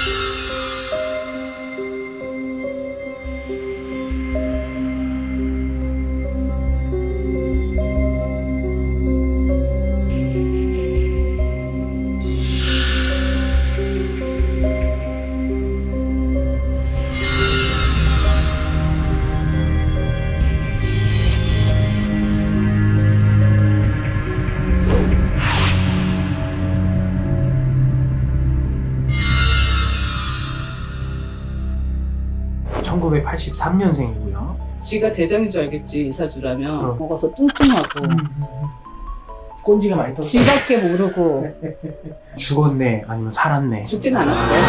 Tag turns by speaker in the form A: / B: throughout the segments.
A: (1983년생이고요)
B: 지가 대장인 줄 알겠지, 이사주라면. 먹어서 뚱뚱하고
A: 꼰지가 많이 떨어져.
B: 지밖에 모르고.
A: 죽었네 아니면 살았네.
B: 죽진 않았어요.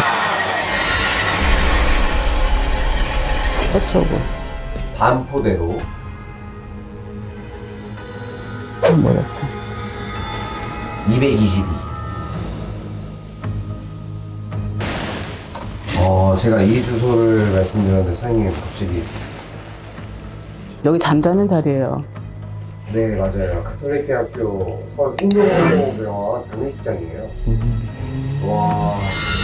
B: 어쩌고.
C: 반포대로
B: 뭐랄까.
C: 222. 제가 이 주소를 말씀드렸는데 사장님 갑자기.
B: 여기 잠자는 자리예요.
C: 네, 맞아요. 가톨릭 대학교 서울 성모병원 장례식장이에요. 와.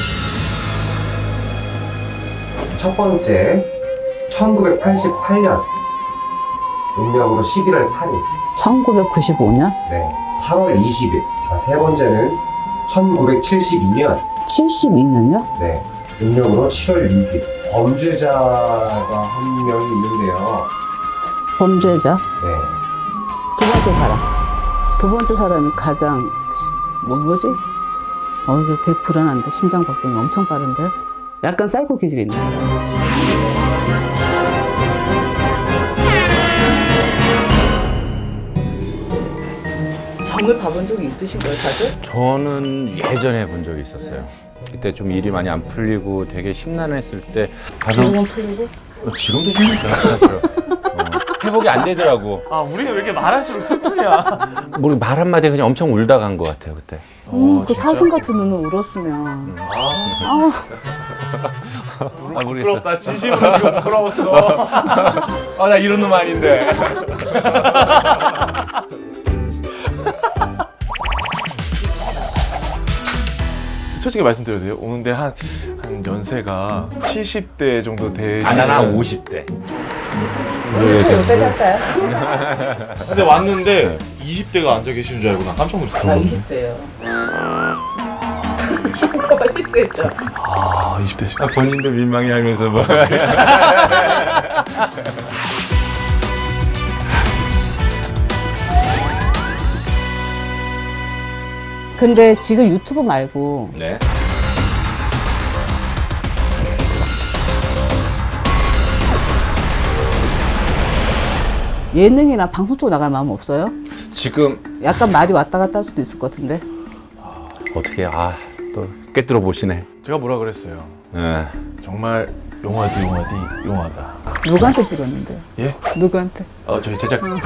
C: 첫 번째 1988년 음력으로 11월 8일.
B: 1995년?
C: 네. 8월 20일. 자, 세 번째는 1972년.
B: 72년요?
C: 네. 음력으로 7월 6일. 범죄자가 한 명이 있는데요.
B: 범죄자?
C: 네.
B: 두 번째 사람. 두 번째 사람이 가장, 뭐지? 이거 되게 불안한데. 심장 박동이 엄청 빠른데? 약간 사이코 기질이 있네. 점을 봐본 적이 있으신가요, 다들?
D: 저는 예전에 본 적이 있었어요. 그때 좀 일이 많이 안 풀리고 되게 심란했을 때 가서
B: 지금은 풀리고?
D: 지금도 심해요. 사실. 회복이 안 되더라고.
A: 아 우리는 왜 이렇게 말할수록 슬프냐.
D: 모르 말 한마디에 그냥 엄청 울다 간 것 같아요 그때.
B: 그 사슴 같은 눈을 울었으면.
D: 모르겠어.
A: 부끄럽다. 진심으로 지금 부끄러웠어.
D: 나 이런 놈 아닌데.
E: 솔직히 말씀드려도 돼요? 오는데 한 연세가 70대 정도 되시는.
D: 나는 50대.
B: 오늘 차 여기까지 할까요?
E: 근데 왔는데 20대가 앉아 계시는 줄 알고 나 깜짝 놀랐어.
B: 나 20대예요. 가만히 있어야죠.
E: 아, 20대시.
D: 본인도 민망해하면서 뭐.
B: 근데 지금 유튜브 말고
D: 네.
B: 예능이나 방송 쪽 나갈 마음 없어요?
D: 지금
B: 약간 말이 왔다 갔다 할 수도 있을 것 같은데.
D: 어떻게 또 꿰뚫어 보시네.
E: 제가 뭐라 그랬어요?
D: 네.
E: 정말 용하다.
B: 누구한테 찍었는데?
E: 예?
B: 누구한테?
E: 저희 제작진.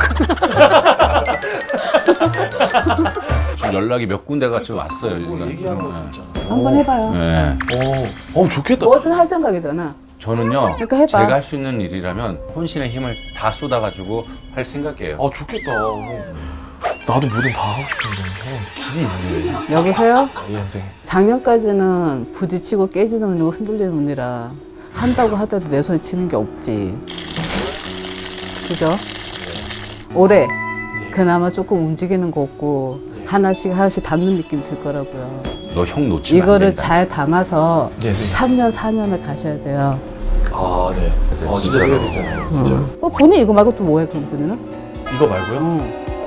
D: 지금 연락이 몇 군데가 좀 왔어요. 일단.
B: 한번 해봐요.
D: 네.
E: 좋겠다.
B: 뭐든 할 생각이잖아.
D: 저는요.
B: 그러니까 해봐.
D: 제가 할 수 있는 일이라면 혼신의 힘을 다 쏟아가지고 할 생각이에요.
E: 좋겠다. 나도 뭐든 다 하고 싶은데 길이 있는데.
B: 여보세요?
E: 이 인생.
B: 작년까지는 부딪히고 깨지는 운이고 흔들리는 운이라 한다고 하더라도 내 손에 치는 게 없지. 그죠? 올해 그나마 조금 움직이는 거 없고 하나씩 담는 느낌 들 거라고요.
D: 너 형 놓치면 안
B: 이거를
D: 된다.
B: 잘 담아서
E: 네, 네.
B: 3년, 4년을 가셔야 돼요.
E: 네. 진짜
D: 진짜로.
E: 생각이 들었어요. 진짜.
B: 본인 이거 말고 또 뭐해, 그럼 본인은?
E: 이거 말고요?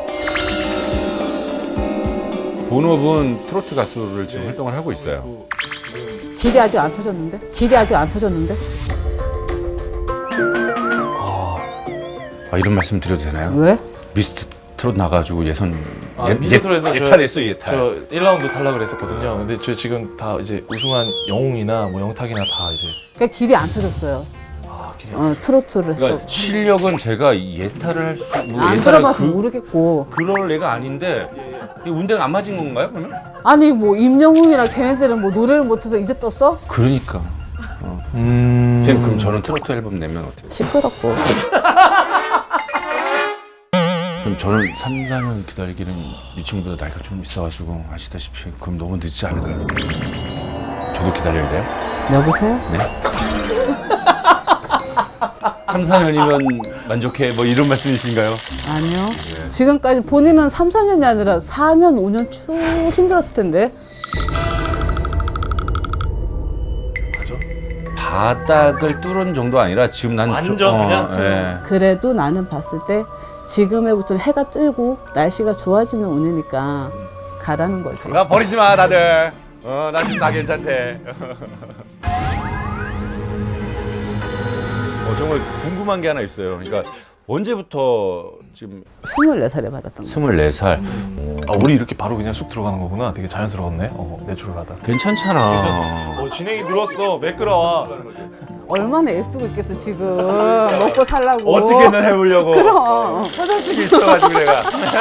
D: 본업은 트로트 가수를 지금 활동을 하고 있어요.
B: 길이 아직 안 터졌는데? 길이 아직 안 터졌는데?
D: 이런 말씀 드려도 되나요?
B: 왜?
D: 미스트 트롯 나가지고
E: 미스터트롯에서
D: 예탈했어 예탈.
E: 저 1라운드 탈락을 했었거든요. 근데 저 지금 다 이제 우승한 영웅이나 뭐 영탁이나 다 이제.
B: 그러니까 길이 안 터졌어요.
E: 길이.
B: 트로트를.
D: 그러니까 실력은 제가 예탈을 할 수,
B: 안 들어봐서 모르겠고.
D: 그럴 애가 아닌데 이 운대가 안 맞은 건가요 그러면?
B: 아니 뭐 임영웅이랑 걔네들은 뭐 노래를 못해서 이제 떴어?
D: 그러니까. 선생님 그럼 저는 트로트 앨범 내면 어때요?
B: 시끄럽고.
D: 그럼 저는 3, 4년 기다리기는 이 친구보다 나이가 좀 있어가지고 아시다시피 그럼 너무 늦지 않을까요? 저도 기다려야 돼요?
B: 여보세요?
D: 3, 4년이면 만족해 뭐 이런 말씀이신가요?
B: 아니요. 지금까지 본인은 3, 4년이 아니라 4년, 5년 쭉 힘들었을 텐데.
D: 바닥을 뚫은 정도 아니라 지금 난
A: 완전 그냥
D: 예.
B: 그래도 나는 봤을 때 지금에부터는 해가 뜨고 날씨가 좋아지는 운이니까 가라는 거지.
D: 나 버리지 마 다들. 나 지금 다 괜찮대. 정말 궁금한 게 하나 있어요. 그러니까 언제부터 지금
B: 24살에 받았던 거.
D: 24살.
E: 아, 우리 이렇게 바로 그냥 쑥 들어가는 거구나. 되게 자연스러웠네. 내추럴하다.
D: 괜찮잖아.
E: 진행이 늘었어. 매끄러워.
B: 얼마나 애쓰고 있겠어 지금. 먹고 살라고.
D: 어떻게든 해보려고.
B: 그럼.
D: 화장실이 있어가지고 내가.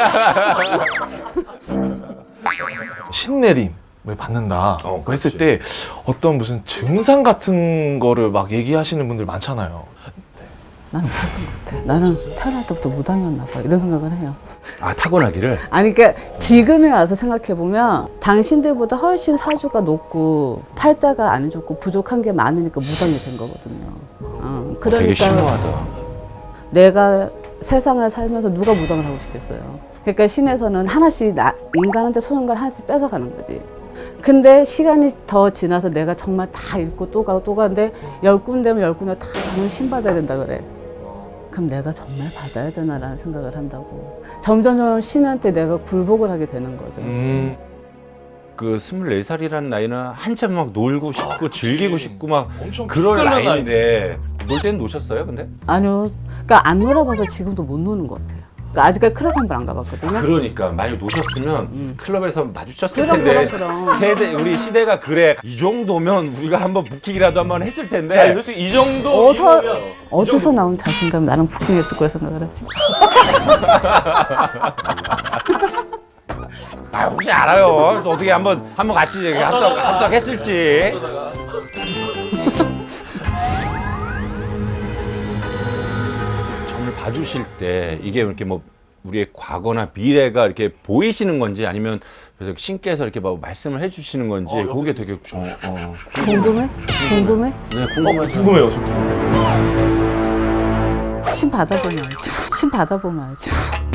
E: 신내림을 받는다. 그거 했을
D: 그렇지.
E: 때 어떤 무슨 증상 같은 거를 막 얘기하시는 분들 많잖아요.
B: 나는 그랬던 것 같아. 나는 태어날 때부터 무당이었나 봐. 이런 생각을 해요.
D: 아 타고나기를.
B: 아니 그러니까 지금에 와서 생각해 보면 당신들보다 훨씬 사주가 높고 팔자가 안 좋고 부족한 게 많으니까 무당이 된 거거든요.
D: 되게
B: 그러니까
D: 심오하다.
B: 내가 세상을 살면서 누가 무당을 하고 싶겠어요. 그러니까 신에서는 하나씩 인간한테 소중한 걸 하나씩 뺏어가는 거지. 근데 시간이 더 지나서 내가 정말 다 읽고 또 가고 또 가는데 10군데면 10군데 다 가면 신 받아야 된다 그래. 그럼 내가 정말 받아야 되나라는 생각을 한다고. 점점 신한테 내가 굴복을 하게 되는 거죠.
D: 그 24살이라는 나이는 한참 막 놀고 싶고 즐기고 싶고 막
E: 엄청
D: 그런
E: 기깔난
D: 나이인데 놀 때는 노셨어요 근데?
B: 아니요. 그러니까 안 놀아봐서 지금도 못 노는 것 같아요. 그러니까 아직까지 클럽 한 번 안 가봤거든요.
D: 그러니까 만약 노셨으면 클럽에서 마주쳤을
B: 그럼,
D: 텐데
B: 그럼.
D: 세대 우리 시대가 그래 이 정도면 우리가 한번 부킹이라도 한번 했을 텐데
E: 아니, 솔직히 이 정도
B: 어디서 나온 자신감 나랑 부킹했을 거라 생각을 하지.
D: 아 혹시 알아요 또 어떻게 한번 같이 합석했을지. 점을 봐주실 때 이게 이렇게 뭐 우리의 과거나 미래가 이렇게 보이시는 건지 아니면 그래서 신께서 이렇게 뭐 말씀을 해주시는 건지 그게 되게
B: 궁금해? 궁금해?
D: 네, 궁금해요.
E: 궁금해요.
B: 신 받아보면 알지. 신 받아보면 알지.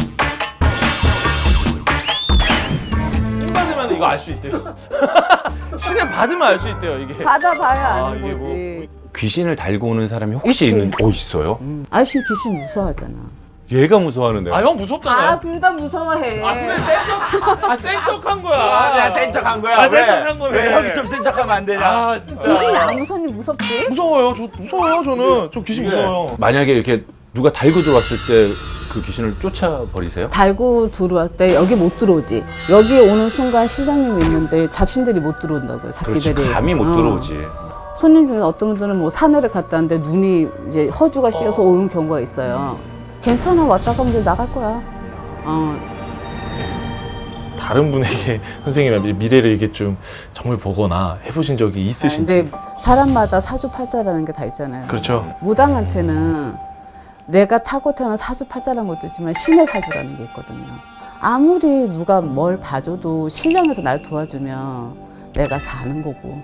E: 신 받으면 이거 알 수 있대요. 신을 받으면 알 수 있대요, 이게.
B: 받아봐야 아는
E: 이게
B: 거지.
D: 귀신을 달고 오는 사람이 혹시
B: 있지.
D: 있어요?
B: 아저씨 귀신 무서워하잖아.
D: 얘가 무서워하는데.
E: 형 무섭잖아요.
B: 둘 다 무서워해.
E: 센 척한 거야.
D: 센 척한 거야.
E: 센 척한 거네.
D: 왜 형이 좀 센 척하면 안 되냐?
E: 진짜.
B: 귀신이 안 무섭니 무섭지?
E: 무서워요. 무서워요, 저는. 저 귀신 무서워요.
D: 만약에 이렇게 누가 달고 들어왔을 때 그 귀신을 쫓아버리세요?
B: 달고 들어올 때 여기 못 들어오지. 여기 오는 순간 실장님이 있는데 잡신들이 못 들어온다고요.
D: 그렇지,
B: 잡기들이.
D: 감이 못 들어오지.
B: 손님 중에 어떤 분들은 뭐 산에를 갔다 왔는데 눈이 이제 허주가 씌어서 오는 경우가 있어요. 괜찮아, 왔다 가면 이제 나갈 거야.
E: 다른 분에게 선생님의 미래를 이게 좀 점을 보거나 해보신 적이 있으신지.
B: 근데 사람마다 사주팔자라는 게 다 있잖아요.
E: 그렇죠.
B: 무당한테는 내가 타고 태어난 사주팔자라는 것도 있지만 신의 사주라는 게 있거든요. 아무리 누가 뭘 봐줘도 신령에서 날 도와주면 내가 사는 거고,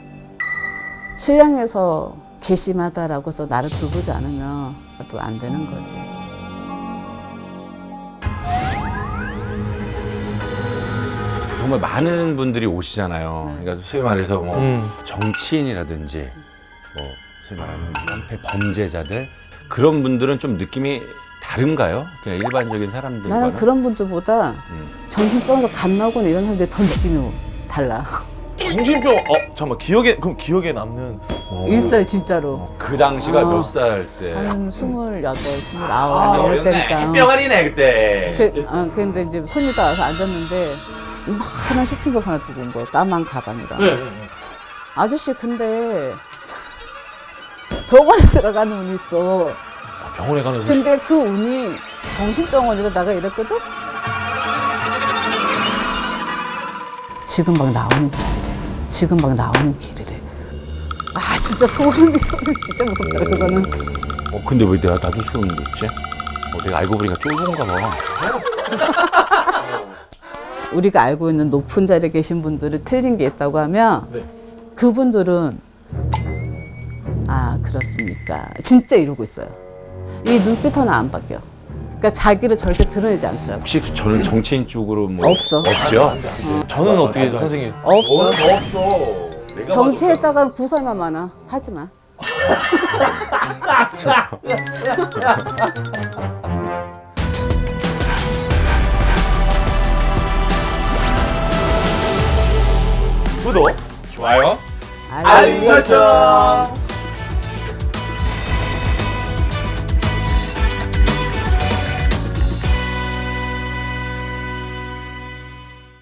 B: 신령에서 괘씸하다라고 해서 나를 돌보지 않으면 또 안 되는 거지.
D: 정말 많은 분들이 오시잖아요. 그러니까 소위 말해서 뭐 정치인이라든지 뭐 소위 말하는 깡패 범죄자들 그런 분들은 좀 느낌이 다른가요? 그냥 일반적인 사람들과는?
B: 나는 그런 분들보다 정신병에서 갓 나오거나 이런 사람들이 더 느낌이 달라.
E: 정신병, 잠깐만, 그럼 기억에 남는.
B: 있어요, 진짜로.
D: 그 당시가 몇 살 때?
B: 한 28, 29 이럴 때니까.
D: 뿅아리네 그때.
B: 근데 이제 손이 다 와서 앉았는데 이만한 쇼핑백 하나 두고 온 거예요. 까만 가방이랑. 아저씨 근데 병원에 들어가는 운이 있어.
E: 병원에 가는 운.
B: 근데 그 운이 정신병원이다 내가 이랬거든? 지금 막 나오는 길이래. 지금 막 나오는 길이래. 아 진짜 소름이 진짜 무섭더라 그거는.
D: 근데 왜 나도 소름 돋지? 내가 알고 보니까 쫄보인가 봐.
B: 우리가 알고 있는 높은 자리에 계신 분들이 틀린 게 있다고 하면 그분들은 들었습니까? 진짜 이러고 있어요. 이 눈빛 하나 안 바뀌어. 그러니까 자기를 절대 드러내지 않더라고.
D: 혹시 저는 정치인 쪽으로 뭐
B: 없어.
D: 없죠?
E: 저는 어떻게 선생님?
B: 없어.
D: 없어.
B: 정치했다가는 구설만 많아. 하지 마.
D: 구독, 좋아요.
B: 알림 설정.